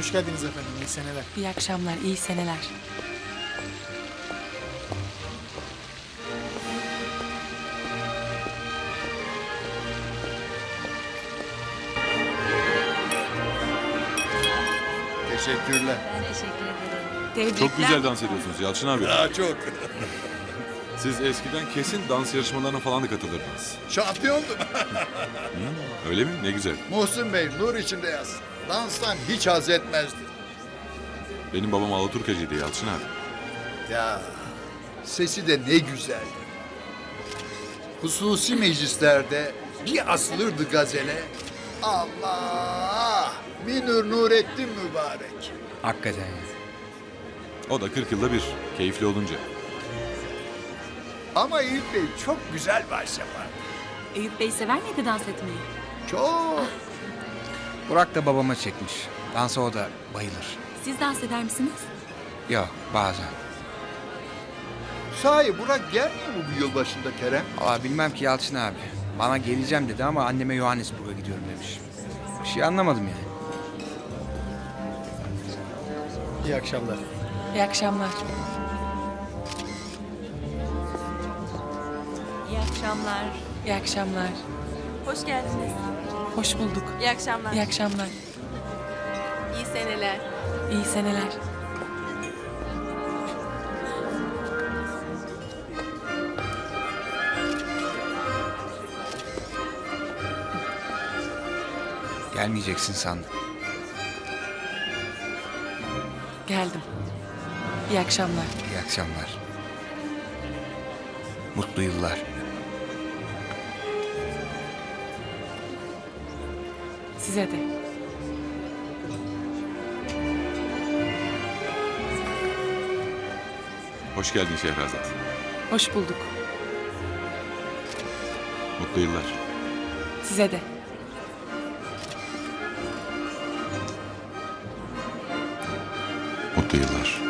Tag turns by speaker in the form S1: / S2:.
S1: Hoş geldiniz efendim. İyi seneler.
S2: İyi akşamlar, iyi seneler.
S3: Teşekkürler.
S4: Ben teşekkür ederim.
S2: Tebrikler.
S5: Çok güzel dans ediyorsunuz Yalçın abi.
S3: Daha çok.
S5: Siz eskiden kesin dans yarışmalarına falan da katılırdınız.
S3: Şampiyondum.
S5: Öyle mi? Ne güzel.
S3: Muhsin Bey nur içinde yaz. Danstan hiç haz etmezdi.
S5: Benim babam Alaturkacıydı Yalçın abi.
S3: Ya sesi de ne güzeldi. Hususi meclislerde bir asılırdı gazele. Allah! Minur Nurettin mübarek.
S6: Hakikaten ya.
S5: O da 40 yılda bir. Keyifli olunca.
S3: Ama Eyüp Bey çok güzel vals yapar.
S4: Eyüp Bey sever miydi dans etmeyi?
S3: Çok.
S6: Burak da babama çekmiş. Dansa o da bayılır.
S4: Siz dans eder misiniz?
S6: Yok bazen.
S3: Sahi Burak gelmiyor mu bu yılbaşında Kerem?
S6: Valla bilmem ki Yalçın abi. Bana geleceğim dedi ama anneme Johannesburg'a gidiyorum demiş. Bir şey anlamadım yani.
S1: İyi akşamlar.
S2: İyi akşamlar.
S4: İyi akşamlar.
S2: İyi akşamlar.
S4: Hoş geldiniz.
S2: Hoş bulduk.
S4: İyi akşamlar.
S2: İyi akşamlar.
S4: İyi seneler.
S2: İyi seneler.
S6: Gelmeyeceksin sandım.
S2: Geldim. İyi akşamlar.
S6: İyi akşamlar. Mutlu yıllar.
S2: Size de.
S5: Hoş geldin Şehrazat.
S2: Hoş bulduk.
S5: Mutlu yıllar.
S2: Size de.
S5: Mutlu yıllar.